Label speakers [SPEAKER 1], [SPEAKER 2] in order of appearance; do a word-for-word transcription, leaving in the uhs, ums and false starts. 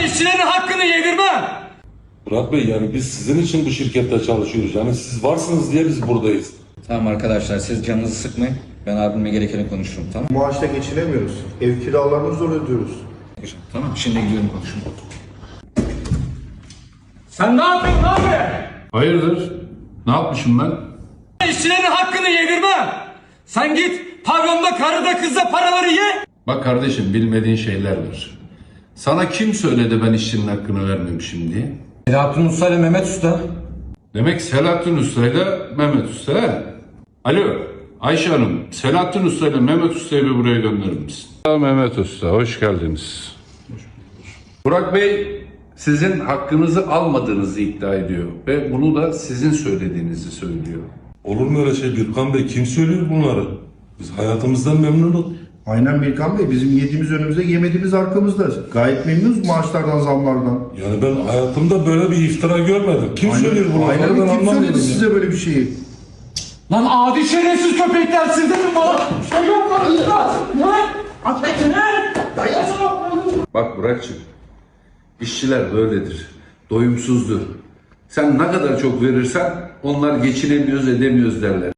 [SPEAKER 1] işçilerin hakkını yedirmem.
[SPEAKER 2] Murat Bey, yani biz sizin için bu şirkette çalışıyoruz. Yani siz varsınız diye biz buradayız.
[SPEAKER 3] Tamam arkadaşlar, siz canınızı sıkmayın. Ben abimle gerekeni konuşurum, tamam mı?
[SPEAKER 4] Maaşla geçinemiyoruz. Ev kiralarını zor ödüyoruz.
[SPEAKER 3] Tamam, şimdi gidiyorum konuşurum.
[SPEAKER 1] Sen ne yapıyorsun abi?
[SPEAKER 5] Hayırdır? Ne yapmışım ben?
[SPEAKER 1] İşçilerin hakkını yedirmem. Sen git pavyonda karıda kızda paraları ye.
[SPEAKER 5] Bak kardeşim, bilmediğin şeyler var. Sana kim söyledi ben işçinin hakkını vermemişim diye?
[SPEAKER 3] Selahattin Usta ile Mehmet Usta.
[SPEAKER 5] Demek Selahattin Usta ile Mehmet Usta he? Alo Ayşe Hanım, Selahattin Usta ile Mehmet Usta'yı bir buraya gönderir misin? Mehmet Usta, hoş geldiniz. Burak Bey sizin hakkınızı almadığınızı iddia ediyor ve bunu da sizin söylediğinizi söylüyor.
[SPEAKER 2] Olur mu öyle şey Birkan Bey? Kim söylüyor bunları? Biz hayatımızdan memnunuz.
[SPEAKER 4] Aynen Birkan Bey, bizim yediğimiz önümüzde, yemediğimiz arkamızda. Gayet memnunuz maaşlardan, zamlardan.
[SPEAKER 2] Yani ben hayatımda böyle bir iftira görmedim. Kim
[SPEAKER 4] Aynen,
[SPEAKER 2] söylüyor bunları?
[SPEAKER 4] aynen
[SPEAKER 2] Ben
[SPEAKER 4] kim
[SPEAKER 2] anlamıyorum
[SPEAKER 4] söyledi
[SPEAKER 2] ya.
[SPEAKER 4] size böyle bir şeyi?
[SPEAKER 1] Lan adi şerefsiz köpekler siz de mi bana? Şey yapmadınız lan. Ne? Affetsinler.
[SPEAKER 5] Bak Burak'cığım, işçiler böyledir, doyumsuzdur. Sen ne kadar çok verirsen onlar geçinemiyoruz edemiyoruz derler.